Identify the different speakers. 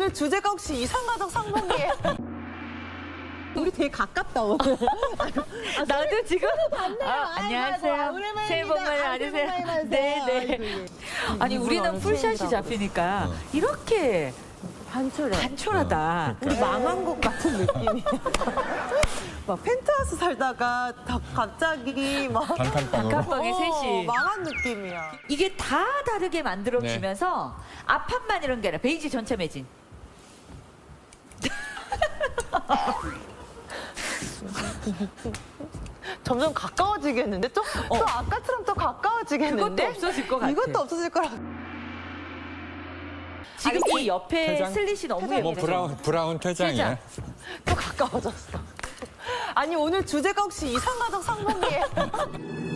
Speaker 1: 오늘 주제가 혹시 이상가족 상봉이에요? 우리 되게 가깝다 오늘.
Speaker 2: 나도 지금
Speaker 1: 안녕하세요.
Speaker 2: 새해 복 많이 받으세요. 네네. 아니 우리는 풀샷이 잡히니까 이렇게 단촐하다.
Speaker 1: 우리 망한 것 같은 느낌이야. 막 펜트하우스 살다가 갑자기 막
Speaker 2: 단칸방에 셋이.
Speaker 1: 망한 느낌이야.
Speaker 2: 이게 다 다르게 만들어주면서 앞판만 이런 게 아니라 베이지 전체 매진.
Speaker 1: 점점 가까워지겠는데? 또 아까처럼 또 가까워지겠는데?
Speaker 2: 그것도 없어질 것 같아.
Speaker 1: 이것도 없어질 거라.
Speaker 2: 지금 이 옆에
Speaker 3: 퇴장?
Speaker 2: 슬릿이 너무
Speaker 3: 뭐
Speaker 2: 예뻐요.
Speaker 3: 브라운 퇴장이네.
Speaker 1: 또 가까워졌어. 아니 오늘 주제가 혹시 이상가족 상봉이에요?